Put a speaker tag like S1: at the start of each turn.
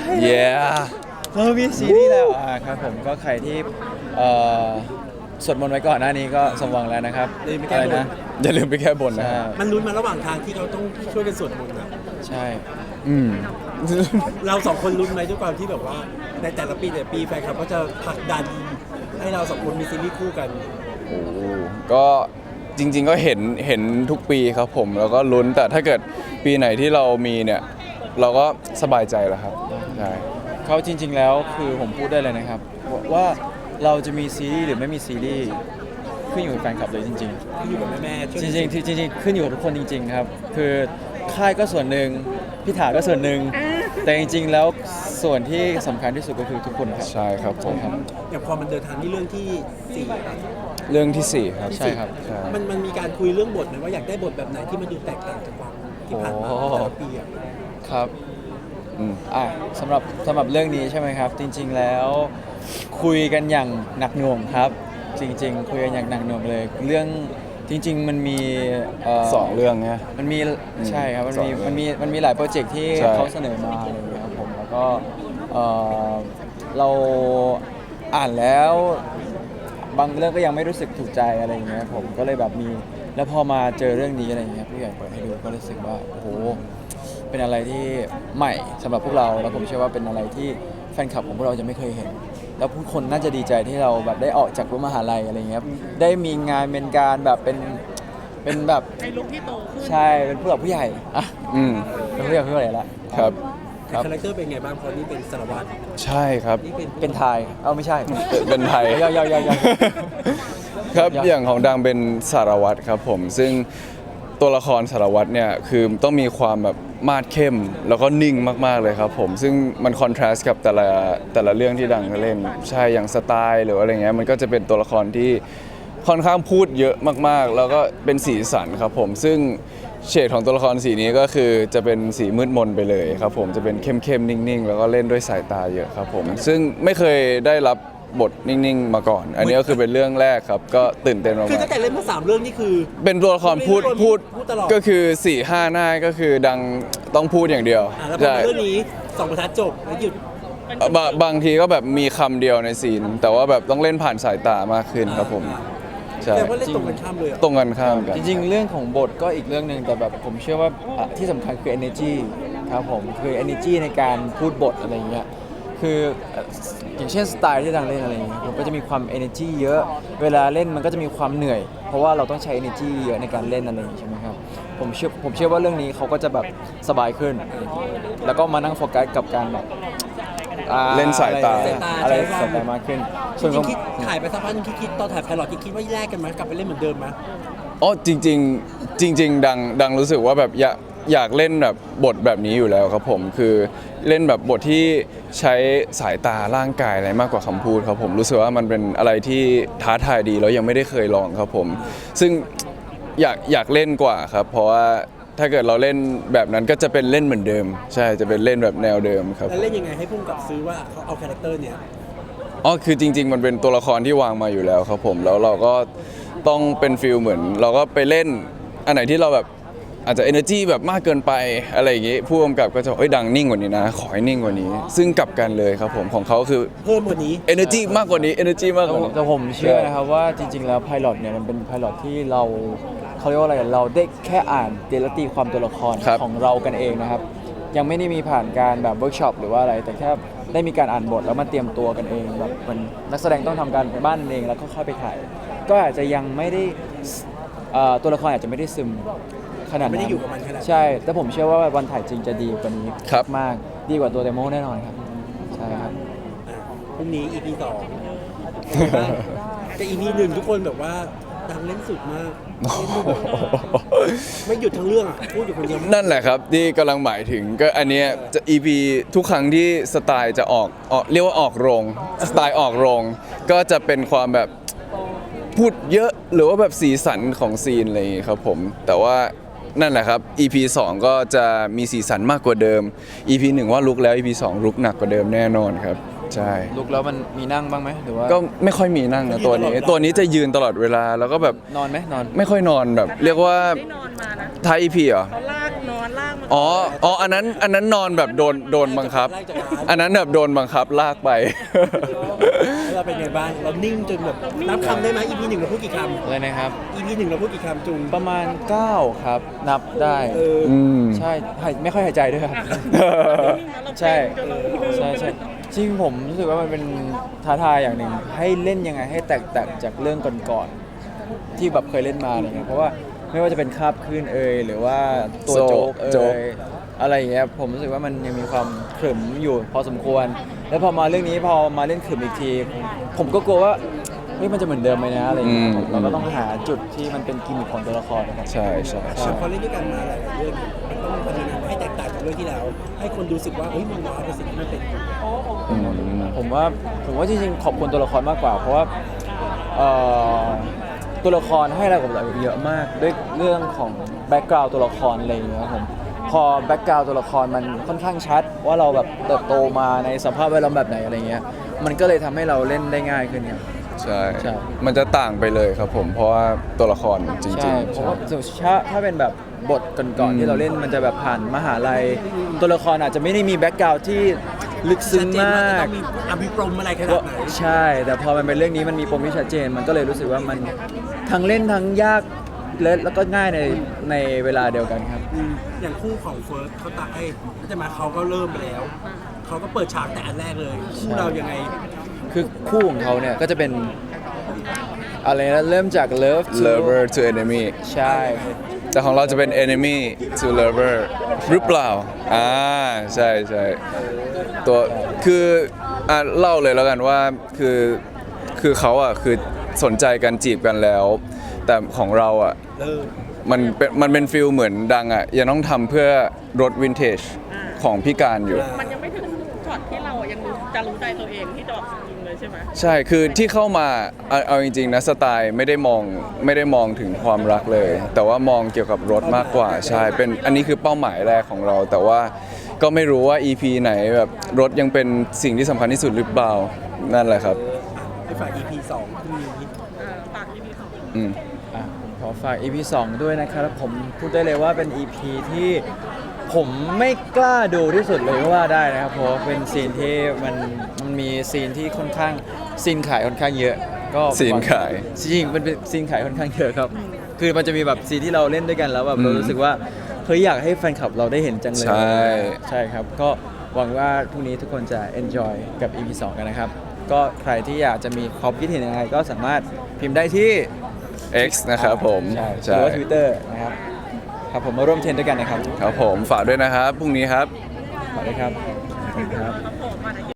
S1: เรามีซีรีส์แล้วครับผมก็ใครที่สวดมนต์ไว้ก่อนหน้านี้ก็สมหวังแล้วนะครับอะไรนะอย่าลืมไปแก้บนนะ
S2: มันลุ้นมาระหว่างทางที่เขาต้องช่วยกันสวดมนต์นะ
S1: ใช่
S2: เราสองคนลุ้นไหมด้วยความที่แบบว่าในแต่ละปีแฟนคลับก็จะผลักดันให้เราสองคนมีซีรีส์คู่กัน
S3: โอ้ก็จริงๆก็เห็นทุกปีครับผมแล้วก็ลุ้นแต่ถ้าเกิดปีไหนที่เรามีเนี่ยเราก็สบายใจแล้วครับใช่
S1: เขาจริง ๆแล้วคือผมพูดได้เลยนะครับว่าเราจะมีซีรีส์หรือไม่มีซีรีส์ขึ้นอยู่กับแฟนคลับเลยจริง
S2: ที่อยู่กับแม่ๆช่วย
S1: ๆ จริงๆขึ้นอยู่กับทุกคนจริง ๆ ครับ คือค่ายก็ส่วนหนึ่งพี่ถาก็ส่วนหนึ่งแต่จริง ๆ แล้วส่วนที่สำคัญที่สุดก็คือทุกคนครับ
S3: ใช่ครับผม
S2: อย่างพอมันเดินทางที่เรื่องที่สี่ครับ
S3: เรื่องที่สี่ครับ
S1: ใช่ครับ
S3: ใช่
S2: มันมีการคุยเรื่องบทไหมว่าอยากได้บทแบบไหนที่มันดูแตกต่างจากความที่ผ่านมาแต่ละปีอะ
S1: ครับสำหรับเรื่องนี้ใช่ไหมครับ จริง ๆ แล้วคุยกันอย่างหนักหน่วงครับ จริง ๆ คุยกันอย่างหนักหน่วงเลย เรื่องจริง ๆ มันมี
S3: สองเรื่องนะ
S1: มันมีใช่ครับมันมี
S3: สองเรื่อง
S1: มันมีหลายโปรเจกต์ที่
S3: ใช่
S1: เขาเสนอมาอะไรอย่างเงี้ยครับผมแล้วก็เราอ่านแล้วบางเรื่องก็ยังไม่รู้สึกถูกใจอะไรอย่างเงี้ยผมก็เลยแบบมีแล้วพอมาเจอเรื่องนี้อะไรอย่างเงี้ยผู้ใหญ่เปิดให้ดูก็รู้สึกว่าโอ้โหเป็นอะไรที่ใหม่สำหรับพวกเราแล้วผมเชื่อว่าเป็นอะไรที่แฟนคลับของพวกเราจะไม่เคยเห็น แล้วผู้คนน่าจะดีใจที่เราแบบได้ออกจากรั้วมหาลัยอะไรอย่างเงี้ยครับได้มีงานเป็นการแบบเป็นแบบ
S4: ในลุคที่โตขึ้น
S1: ใช่เป็นผู้หลักผู้ใหญ่อะ
S3: อืม
S1: เป็นผู้ใหญ่ละ
S3: ครับ
S1: ครับ
S2: คาแรคเตอร์เป็นไงบ้างเพราะนี่เป็นสารวัตร
S3: ใช่ครับ
S2: นี่เป็น
S1: เป็นไทยไม่ใช่
S3: เป็นไทย
S1: ยาว
S3: ครับ
S1: ยาว
S3: อย่างของดังเป็นสารวัตรครับผมซึ่งตัวละครสารวัตรเนี่ยคือต้องมีความแบบมาดเข้มแล้วก็นิ่งมากๆเลยครับผมซึ่งมันคอนทราสต์กับแต่ละเรื่องที่ดังเล่นใช่อย่างสไตล์หรืออะไรเงี้ยมันก็จะเป็นตัวละครที่ค่อนข้างพูดเยอะมากๆ แล้วก็เป็นสีสันครับผมซึ่งเฉดของตัวละครสีนี้ก็คือจะเป็นสีมืดมนไปเลยครับผมจะเป็นเข้มๆนิ่งๆแล้วก็เล่นด้วยสายตาเยอะครับผมซึ่งไม่เคยได้รับบทนิ่งๆมาก่อน อันนี้ก็คือเป็นเรื่องแรกครับก็ตื่นเต้นมาก
S2: คือตั้งแต่เล่นมา3เรื่องนี่คือ
S3: ๆเป็นตัวละครพูด
S2: พูดตลอด
S3: ก็คือ4-5 หน้าก็คือดังต้องพูดอย่างเดียว
S2: แล้วพอ
S3: ใช่
S2: เรื่องนี้2 บรรทัดจบแล้วหยุด
S3: บางทีก็แบบมีคำเดียวในซีน แต่ว่าแบบต้องเล่นผ่านสายตามากขึ้นครับผมใช่
S2: แต่ว่าเล่นตรงกันข้ามเลยเหรอ
S3: ตรงกันข้ามกัน
S1: จริงๆ เรื่องของบทก็อีกเรื่องหนึ่งแต่แบบผมเชื่อว่าที่สำคัญคือ energy ครับผมคือ energy ในการพูดบทอะไรอย่างเงี้ยคืออย่างเช่นสไตล์ที่ดังเล่นอะไรอย่างเงี้ยผมก็จะมีความ energy เยอะเวลาเล่นมันก็จะมีความเหนื่อย เพราะว่าเราต้องใช้ energy เยอะในการเล่นอะไรอย่างงี้ใช่ไหมครับผมเชื่อว่าเรื่องนี้เขาก็จะแบบสบายขึ้น แล้วก็มานั่งโฟกัสกับการแบบ
S3: เล่นสายตา
S1: อะไรสายตามากขึ้น
S2: จ
S1: ส่วน
S2: ริ
S1: ของ
S2: งๆคิดถ่ายไปสักพักนึงคิดตอนถ่ายไพลอตคิดว่าแยกกันไหมกลับไปเล่นเหมือนเดิมไหม
S3: อ๋อจริงดังรู้สึกว่าแบบอยากเล่นแบบบทแบบนี้อยู่แล้วครับผมคือเล่นแบบบทที่ใช้สายตาร่างกายอะไรมากกว่าคำพูดครับผมรู้สึกว่ามันเป็นอะไรที่ท้าทายดีแล้วยังไม่ได้เคยลองครับผมซึ่งอยากเล่นกว่าครับเพราะว่าถ้าเกิดเราเล่นแบบนั้นก็จะเป็นเล่นเหมือนเดิมใช่จะเป็นเล่นแบบแนวเดิมครับ
S2: แล้วเล่นยังไงให้พุ่งกับซื้อว่าเขาเอาคาแรคเตอร์เนี่ย
S3: อ๋อคือจริง ๆ มันเป็นตัวละครที่วางมาอยู่แล้วครับผมแล้วเราก็ต้องเป็นฟิลเหมือน เราก็ไปเล่นอันไหนที่เราแบบอาจจะ energy แบบมากเกินไปอะไรอย่างงี้ผู้กำกับก็จะบอกเอ้ยดังนิ่งกว่านี้นะขอให้นิ่งกว่านี้ ซึ่งกลับกันเลยครับผมของเขาคือ
S2: เพิ่มกว่านี้
S3: energy มากกว่านี้ energy มากกว่านี้
S1: แต่ผมเชื่อนะครับว่าจริง ๆ แล้วไพลอตเนี่ยมันเป็นไพลอตที่เราเขาเรียกว่าอะไรเราได้แค่อ่านเดลตีความตัวละคร
S3: ครับ
S1: ของเรากันเองนะครับ ยังไม่ได้มีผ่านการแบบเวิร์กช็อปหรือว่าอะไร แต่แค่ได้มีการอ่านบทแล้วมาเตรียมตัวกันเองแบบเหมันนักแสดงต้องทำการบ้านเองแล้วก็ค่อยไปถ่าย ก็อาจจะยังไม่ได้ตัวละครอาจจะไม่ได้ซึมขนาดนั้น
S2: ไม่ได้อยู่กับมันขนาดนั้น
S1: ใช่ แต่ผมเชื่อว่าวันถ่ายจริงจะดีกว่านี้
S3: ครับ
S1: มากดีกว่าตัวเดโมแน่นอนครับใช่ครับ
S2: พรุ่งนี้ EP 2แต่ EP 1ทุกคนแบบว่าดังเล่นสุดมากเล่นดูแบบไม่หยุดทั้งเรื่องอ่ะพูดอยู่คนเดียว
S3: นั่นแหละครับที่กำลังหมายถึงก็อันเนี้ยจะ EP ทุกครั้งที่สไตล์จะออกเรียกว่าออกโรงสไตล์ออกโรงก็จะเป็นความแบบพูดเยอะหรือว่าแบบสีสันของซีนอะไรอย่างงี้ครับผมแต่ว่านั่นแหละครับ EP 2 ก็จะมีสีสันมากกว่าเดิม EP 1 ว่าลุกแล้ว EP 2 ลุกหนักกว่าเดิมแน่นอนครับใช่
S1: ลุกแล้วมันมีนั่งบ้างไหมหรือว่า
S3: ก็ไม่ค่อยมีนั่งนะตัวนี้จะยืนตลอดเวลาแล้วก็แบบ
S1: นอนไหมนอน
S3: ไม่ค่อยนอนแบบเรียกว่า
S4: ได้นอนมานะ
S3: ท้าย EP เหรอ
S4: เขาลากนอนลากมัน
S3: อ๋ออันนั้นนอนแบบโดนบังคับ อันนั้นแบบโดนบังคับลากไป
S2: แล้วเราเป็นไงบ้างเรานิ่งจนแบบนับคำได้ไหม EP 1เราพูดกี่ค
S1: อะไรนะครับ
S2: ำ EP 1เราพูดกี่คำจุง
S1: ประมาณ 9 ครับ นับได้
S3: อืม
S1: ใช่ไม่ค่อยหายใจด้วยครับ ใช่ใช่จริงผมรู้สึกว่ามันเป็นท้าทายอย่างหนึ่งให้เล่นยังไงให้แตกต่างจากเรื่องก่อนๆที่แบบเคยเล่นมาอะไรเงี้ยเพราะว่าไม่ว่าจะเป็นคาบคลื่นหรือว่าตัวโจ๊ก
S3: โจ๊ก
S1: อะไรอย่างเงี้ยผมรู้สึกว่ามันยังมีความขรึมอยู่พอสมควร แล้วพอมาเรื่องนี้พอมาเล่นขรึมอีกที ผมก็กลัวว่าเฮ้ยมันจะเหมือนเดิมไหมนะอะไรอย่างเงี้ยเราก็ต้องหาจุดที่มันเป็นกิมมิคของตัวละครนะครับ
S3: ใช่ใช่
S2: แต่พอเล่นด้วยกันมาหลายๆเรื่องมันต้องทำยังไงให้แตกต่างจากเรื่องที่แล้ว ให้คนดูรู้สึกว่าเฮ้ยมันว้าวกับสิ่งที่มันเป็น
S3: อืม
S1: ผมว่าจริงๆขอบคุณตัวละครมากกว่า เพราะว่าเอ่อตัวละครให้อะไรกับเราเยอะมากด้วยเรื่องของแบ็กกราวด์ตัวละครอะไรอย่างเงี้ยครับผมพอแบ็กกราวด์ตัวละครมันค่อนข้างชัด ว่าเราแบบเติบโตมาในสภาพแวดล้อมแบบไหนอะไรเงี้ยมันก็เลยทำให้เราเล่นได้ง่ายขึ้นครับ
S3: ใช่
S1: ใช่
S3: มันจะต่างไปเลยครับผม เพราะว่าตัวละครจริง
S1: ใช่
S3: ๆ
S1: เพราะว่าถ้าเป็นแบบบทก่อนๆที่เราเล่นมันจะแบบผ่านมหาลัยตัวละครอาจจะไม่ได้มีแบ็กกราวด์ที่ลึกซึ้งมาก
S2: ต้องมีอภิปรมอะไรขนาดไหน
S1: ใช่ แต่พอมันเป็นเรื่องนี้มันมีปมที่ชัดเจน มันก็เลยรู้สึกว่ามันทั้งเล่นทั้งยากแล้วก็ง่ายในเวลาเดียวกันครับ
S2: อย่างคู่ของเฟิร์สเขาตายจะมาเขาก็เริ่มไปแล้ว เขาก็เปิดฉากแต่อันแรกเลย คู่เรายังไง
S1: คือคู่ของเขาเนี่ยก็จะเป็นอะไรนะเริ่มจาก love to
S3: lover to enemy
S1: ใช่
S3: แต่ของเราจะเป็น enemy to lover หรือเปล่าใช่ใช่ตัวคือเล่าเลยแล้วกันว่าคือเขาคือสนใจกันจีบกันแล้ว แต่ของเรามันเป็นฟิลเหมือนดังยังต้องทำเพื่อรถวินเทจของพี่การอยู่
S4: มันยังไม่ถึงช็อตที่เรายังจะรู้ใจตัวเองที่จะแบบยิงเลยใช่ไหม
S3: ใช่คือที่เข้ามาเอาจริงๆนะสไตล์ไม่ได้มองถึงความรักเลย แต่ว่ามองเกี่ยวกับรถมากกว่าใช่เป็นอันนี้คือเป้าหมายแรกของเรา แต่ว่าก็ไม่รู้ว่า EP ไหนแบบรถยังเป็นสิ่งที่สำคัญที่สุดหรือเปล่านั่นแหละครับ
S2: ให้ฝาก EP 2พรุ่งนี้
S4: ปากที่พี่สอง
S3: อืม
S1: อ่ะผมขอฝาก EP 2 ด้วยนะครับผมพูดได้เลยว่าเป็น EP ที่ผมไม่กล้าดูที่สุดเลยก็ว่าได้นะครับเพราะว่าเป็นซีนที่มันมีซีนที่ค่อนข้างซีนขายค่อนข้างเยอะก็
S3: ซีนขาย
S1: จริงๆมันเป็นซีนขายค่อนข้างเยอะครับ คือมันจะมีแบบซีนที่เราเล่นด้วยกันแล้วแบบเรารู้สึกว่าเฮ้ยอยากให้แฟนคลับเราได้เห็นจังเลย
S3: ใช่
S1: ใช่ครับก็หวังว่าพรุ่งนี้ทุกคนจะ enjoy กับ EP 2 กันนะครับก็ใครที่อยากจะมีความคิดเห็นยังไงก็สามารถพิมพ์ได้ที่
S3: X นะครับผม
S1: ใช่ห
S3: ใช่
S1: รือว่า Twitter นะครับครับผมมาร่วมเทรนด้วยกันนะครับ
S3: ครับผมฝากด้วยนะครับพรุ่งนี้ครับ
S1: ขอบคุณครับขอบคุณครับ
S4: โผล่มาใน